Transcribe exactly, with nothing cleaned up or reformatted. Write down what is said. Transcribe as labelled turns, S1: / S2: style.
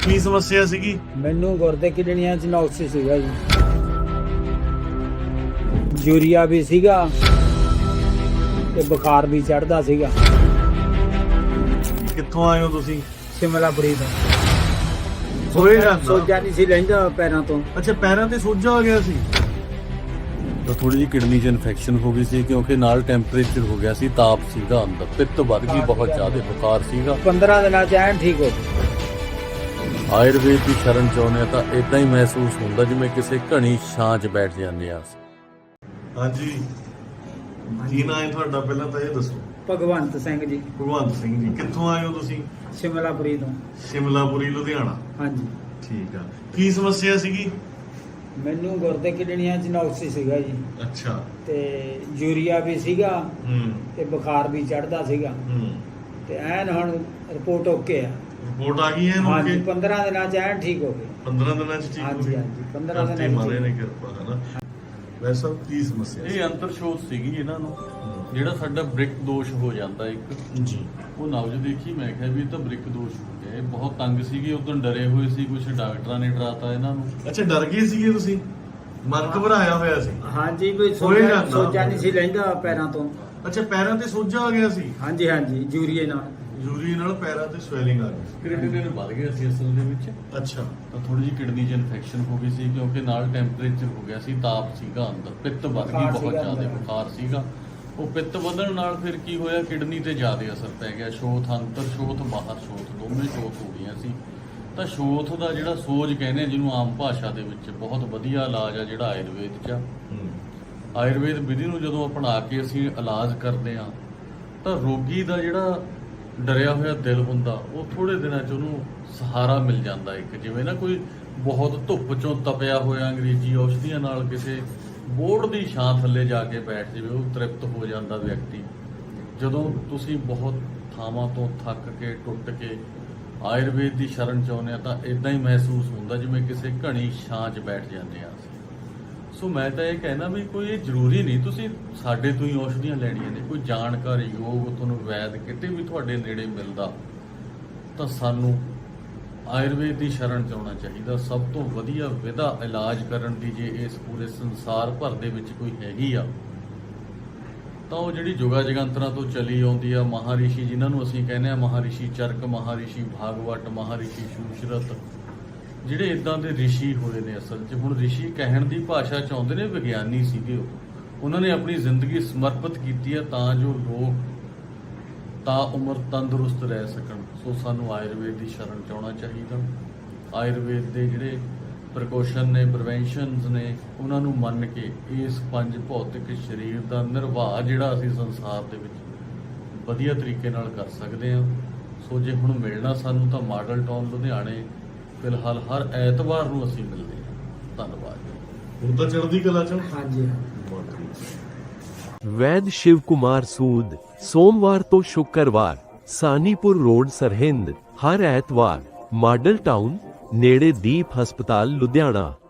S1: ਕੀ ਸਮੱਸਿਆ ਸੀਗੀ?
S2: ਮੈਨੂੰ ਗੁਰਦੇ ਕਿਡਨੀਆਂ ਚ ਨੁਕਸ ਸੀਗਾ ਜੀ, ਯੂਰੀਆ ਵੀ ਸੀਗਾ ਤੇ ਬੁਖਾਰ ਵੀ ਚੜਦਾ ਸੀਗਾ।
S1: ਕਿੱਥੋਂ ਆਏ ਹੋ ਤੁਸੀਂ?
S2: ਸਿਮਲਾਪੁਰੀ ਤੋਂ।
S1: ਹੋਏ ਜਾਂਦਾ
S2: ਸੋਜਾ ਨਹੀਂ ਸੀ ਲੈਂਦਾ ਪੈਰਾਂ ਤੋਂ।
S1: ਅੱਛਾ, ਪੈਰਾਂ ਤੇ ਸੋਜਾ ਆ ਗਿਆ ਸੀ।
S3: ਤਾਂ ਥੋੜੀ ਜਿਹੀ ਕਿਡਨੀ 'ਚ ਇਨਫੈਕਸ਼ਨ ਹੋ ਗਈ ਸੀ, ਕਿਉਂਕਿ ਨਾਲ ਟੈਂਪਰੇਚਰ ਹੋ ਗਿਆ ਸੀ, ਤਾਪ ਸੀਗਾ ਅੰਦਰ, ਪਿੱਤ ਵੱਧ ਗਈ, ਬਹੁਤ ਜ਼ਿਆਦਾ ਬੁਖਾਰ ਸੀਗਾ।
S2: ਪੰਦਰਾਂ ਦਿਨਾਂ ਚ ਐਨ ਠੀਕ ਹੋ ਗਈ।
S3: ਆਯੁਰਵੇਦ ਦੀ ਸ਼ਰਨ ਚਾਹੁੰਦੇ ਹਾਂ ਤਾਂ ਇਦਾਂ ਹੀ ਮਹਿਸੂਸ ਹੁੰਦਾ ਜਿਵੇਂ ਕਿਸੇ ਘਣੀ ਛਾਂ 'ਚ ਬੈਠ ਜਾਂਦੇ ਆ।
S1: ਹਾਂਜੀ, ਕੀ ਨਾਂ ਹੈ ਤੁਹਾਡਾ? ਪਹਿਲਾਂ ਤਾਂ ਇਹ ਦੱਸੋ।
S2: ਭਗਵੰਤ ਸਿੰਘ ਜੀ।
S1: ਭਗਵੰਤ ਸਿੰਘ ਜੀ, ਕਿੱਥੋਂ ਆਏ ਹੋ ਤੁਸੀਂ?
S2: ਸਿਮਲਾਪੁਰੀ ਤੋਂ।
S1: ਸ਼ਿਮਲਾਪੁਰੀ, ਲੁਧਿਆਣਾ।
S2: ਹਾਂਜੀ।
S1: ਠੀਕ ਆ, ਕੀ ਸਮੱਸਿਆ ਸੀਗੀ?
S2: ਮੈਨੂੰ ਗੁਰਦੇ ਕਿਡਨੀਆਂ ਚ ਨੁਕਸ ਸੀਗਾ ਜੀ,
S1: ਅੱਛਾ।
S2: ਤੇ ਯੂਰੀਆ ਵੀ ਸੀਗਾ
S1: ਹੂੰ
S2: ਤੇ ਬੁਖਾਰ ਵੀ ਚੜਦਾ ਸੀਗਾ,
S1: ਹੂੰ
S2: ਤੇ ਐਨ ਹੁਣ ਰਿਪੋਰਟ ਓਕੇ ਆ।
S1: ਰਿਪੋਰਟ ਆ ਗਈ ਹੈ ਇਹਨੂੰ?
S2: ਹਾਂਜੀ,
S1: ਕਿ
S2: ਪੰਦਰਾਂ ਦਿਨਾਂ ਚ ਐਨ ਠੀਕ ਹੋ ਗਏ।
S1: ਪੰਦਰਾਂ ਦਿਨਾਂ ਚ ਠੀਕ ਹੋ
S2: ਹਾਂਜੀ
S1: ਗਈ?
S2: ਹਾਂਜੀ, ਪੰਦਰਾਂ
S1: ਧਰਤੀ
S2: ਦਿਨਾਂ
S1: ਮਾਰੇ
S2: ਚ।
S1: ਨੇ ਕਿਰਪਾ, ਹੈ ਨਾ। ਵੈਸੇ ਸਭ ਕੀ ਸਮੱਸਿਆ ਸੀ?
S3: ਇਹ ਅੰਤਰਸ਼ੋਥ ਸੀਗੀ ਇਹਨਾਂ ਨੂੰ, ਜਿਹੜਾ ਸਾਡਾ ਬ੍ਰਿਕ ਦੋਸ਼ ਹੋ ਜਾਂਦਾ ਇੱਕ,
S1: ਜੀ।
S3: ਉਹ ਨਬਜ਼ ਦੇਖੀ, ਮੈਂ ਕਿਹਾ ਵੀ ਇਹ ਤਾਂ ਬ੍ਰਿਕ ਦੋਸ਼ ਹੋ ਗਿਆ। ਇਹ ਬਹੁਤ ਤੰਗ ਸੀਗੇ, ਉਦੋਂ ਡਰੇ ਹੋਏ ਸੀ, ਕੁਝ ਡਾਕਟਰਾਂ ਨੇ ਡਰਾਤਾ ਇਹਨਾਂ ਨੂੰ।
S1: ਅੱਛਾ, ਡਰ ਗਏ ਸੀਗੇ ਤੁਸੀਂ? ਮਨ ਘਬਰਾਇਆ ਹੋਇਆ ਸੀ?
S2: ਹਾਂਜੀ, ਕੋਈ
S1: ਹੋਏ
S2: ਸੋਜਾ
S1: ਜਾਂਦਾ।
S2: ਸੋਜਾ ਨਹੀਂ ਸੀ ਲੈਂਦਾ ਪੈਰਾਂ ਤੋਂ।
S1: ਅੱਛਾ, ਪੈਰਾਂ ਤੇ ਸੋਜਾ ਆ ਗਿਆ ਸੀ?
S2: ਹਾਂਜੀ ਹਾਂਜੀ, ਯੂਰੀਏ ਨਾਲ।
S1: ਯੂਰੀ ਨਾਲ ਪੈਰਾਂ ਤੇ ਸਵੈਲਿੰਗ ਆ ਗਈ?
S3: ਕ੍ਰੀਟਿਨਿਨ ਵੱਧ ਗਿਆ ਸੀ ਅਸਲ ਦੇ ਵਿੱਚ।
S1: ਅੱਛਾ।
S3: ਤਾਂ ਥੋੜੀ ਜਿਹੀ ਕਿਡਨੀ 'ਚ ਇਨਫੈਕਸ਼ਨ ਹੋ ਗਈ ਸੀ, ਕਿਉਂਕਿ ਨਾਲ ਟੈਂਪਰੇਚਰ ਹੋ ਗਿਆ ਸੀ, ਤਾਪ ਸੀਗਾ ਅੰਦਰ, ਪਿੱਤ ਵੱਧ ਗਈ,
S2: ਬੁਖਾਰ
S3: ਬਹੁਤ
S2: ਸੀਗਾ
S3: ਜ਼ਿਆਦਾ
S2: ਅੰਦਰ।
S3: ਬੁਖਾਰ ਸੀਗਾ। ਉਹ ਪਿੱਤ ਵਧਣ ਨਾਲ ਫਿਰ ਕੀ ਹੋਇਆ, ਕਿਡਨੀ ਤੇ ਜ਼ਿਆਦਾ ਅਸਰ ਪੈ ਗਿਆ। ਸ਼ੋਥ ਅੰਦਰ, ਸ਼ੋਥ ਬਾਹਰ, ਸ਼ੋਥ ਦੋਵੇਂ ਸ਼ੋਥ ਹੋ ਗਈਆਂ ਸੀ। ਤਾਂ ਸ਼ੋਥ ਦਾ ਜਿਹੜਾ ਸੋਜ ਕਹਿੰਦੇ ਆ, ਜਿਹਨੂੰ ਆਮ ਭਾਸ਼ਾ ਦੇ ਵਿੱਚ, ਬਹੁਤ ਵਧੀਆ ਇਲਾਜ ਆ ਜਿਹੜਾ ਆਯੁਰਵੇਦ 'ਚ ਆ। ਆਯੁਰਵੇਦ ਵਿਧੀ ਨੂੰ ਜਦੋਂ ਅਪਣਾ ਕੇ ਅਸੀਂ ਇਲਾਜ ਕਰਦੇ ਆ, ਤਾਂ ਰੋਗੀ ਦਾ ਜਿਹੜਾ ਡਰਿਆ ਹੋਇਆ ਦਿਲ ਹੁੰਦਾ, ਉਹ ਥੋੜੇ ਦਿਨਾਂ 'ਚ ਉਹਨੂੰ ਸਹਾਰਾ ਮਿਲ ਜਾਂਦਾ। ਇੱਕ ਜਿਵੇਂ ਨਾ ਕੋਈ ਬਹੁਤ ਧੁੱਪ 'ਚੋਂ ਤਪਿਆ ਹੋਇਆ ਅੰਗਰੇਜ਼ੀ ਔਸ਼ਧੀਆਂ ਨਾਲ ਕਿਸੇ ਬੋਰਡ ਦੀ ਛਾਂ ਥੱਲੇ ਜਾ ਕੇ ਬੈਠ ਜਾਵੇ, ਉਹ ਤ੍ਰਿਪਤ ਹੋ ਜਾਂਦਾ ਵਿਅਕਤੀ। ਜਦੋਂ ਤੁਸੀਂ ਬਹੁਤ ਥਾਵਾਂ ਤੋਂ ਥੱਕ ਕੇ, ਟੁੱਟ ਕੇ ਆਯੁਰਵੇਦ ਦੀ ਸ਼ਰਨ ਚਾਹੁੰਦੇ ਆ, ਤਾਂ ਇਦਾਂ ਹੀ ਮਹਿਸੂਸ ਹੁੰਦਾ ਜਿਵੇਂ ਕਿਸੇ ਘਣੀ ਛਾਂ 'ਚ ਬੈਠ ਜਾਂਦੇ ਆ। ਸੋ ਮੈਂ ਤਾਂ ਇਹ ਕਹਿਣਾ ਵੀ ਕੋਈ ਇਹ ਜ਼ਰੂਰੀ ਨਹੀਂ ਤੁਸੀਂ ਸਾਡੇ ਤੋਂ ਹੀ ਔਸ਼ਧੀਆਂ ਲੈਣੀਆਂ ਨੇ। ਕੋਈ ਜਾਣਕਾਰ ਯੋਗ ਤੁਹਾਨੂੰ ਵੈਦ ਕਿਤੇ ਵੀ ਤੁਹਾਡੇ ਨੇੜੇ ਮਿਲਦਾ, ਤਾਂ ਸਾਨੂੰ ਆਯੁਰਵੇਦ ਦੀ ਸ਼ਰਨ 'ਚ ਆਉਣਾ ਚਾਹੀਦਾ। ਸਭ ਤੋਂ ਵਧੀਆ ਵਿਧਾ ਇਲਾਜ ਕਰਨ ਦੀ ਜੇ ਇਸ ਪੂਰੇ ਸੰਸਾਰ ਭਰ ਦੇ ਵਿੱਚ ਕੋਈ ਹੈਗੀ ਆ, ਤਾਂ ਉਹ ਜਿਹੜੀ ਜੁਗਾ ਜਗੰਤਰਾਂ ਤੋਂ ਚਲੀ ਆਉਂਦੀ ਆ, ਮਹਾਰਿਸ਼ੀ ਜਿਨ੍ਹਾਂ ਨੂੰ ਅਸੀਂ ਕਹਿੰਦੇ ਆ, ਮਹਾਰਿਸ਼ੀ ਚਰਕ, ਮਹਾਰਿਸ਼ੀ ਭਾਗਵਤ, ਮਹਾਰਿਸ਼ੀ ਸ਼ੂਸ਼ਰਤ, ਜਿਹੜੇ ਇਦਾਂ ਦੇ ਰਿਸ਼ੀ ਹੋਏ ਨੇ। ਅਸਲ 'ਚ ਹੁਣ ਰਿਸ਼ੀ ਕਹਿਣ ਦੀ ਭਾਸ਼ਾ ਚਾਹੁੰਦੇ ਨੇ, ਵਿਗਿਆਨੀ ਸੀਗੇ ਉਹ। ਉਹਨਾਂ ਨੇ ਆਪਣੀ ਜ਼ਿੰਦਗੀ ਸਮਰਪਿਤ ਕੀਤੀ ਹੈ ਤਾਂ ਜੋ ਲੋਕ ਤਾਂ ਉਮਰ ਤੰਦਰੁਸਤ ਰਹਿ ਸਕਣ। ਸੋ ਸਾਨੂੰ ਆਯੁਰਵੇਦ ਦੀ ਸ਼ਰਨ 'ਚ ਆਉਣਾ ਚਾਹੀਦਾ। ਆਯੁਰਵੇਦ ਦੇ ਜਿਹੜੇ ਪ੍ਰੀਕਾਸ਼ਨ ਨੇ, ਪ੍ਰੀਵੈਂਸ਼ਨਸ ਨੇ, ਉਹਨਾਂ ਨੂੰ ਮੰਨ ਕੇ ਇਸ ਪੰਜ ਭੌਤਿਕ ਸਰੀਰ ਦਾ ਨਿਰਵਾਹ ਜਿਹੜਾ ਅਸੀਂ ਸੰਸਾਰ ਦੇ ਵਿੱਚ ਵਧੀਆ ਤਰੀਕੇ ਨਾਲ ਕਰ ਸਕਦੇ ਹਾਂ। ਸੋ ਜੇ ਹੁਣ ਮਿਲਣਾ ਸਾਨੂੰ, ਤਾਂ ਮਾਡਲ ਟਾਊਨ ਲੁਧਿਆਣੇ ਫਿਲਹਾਲ ਹਰ ਐਤਵਾਰ ਨੂੰ ਅਸੀਂ ਮਿਲਦੇ ਹਾਂ। ਧੰਨਵਾਦ।
S1: ਹੁਣ ਤਾਂ ਚੜ੍ਹਦੀ ਕਲਾ 'ਚ।
S2: ਹਾਂਜੀ।
S4: वैद शिव कुमार सूद सोमवार तो शुक्रवार सानीपुर रोड सरहिंद, हर ऐतवार मॉडल टाउन नेड़े दीप हस्पताल लुधियाना।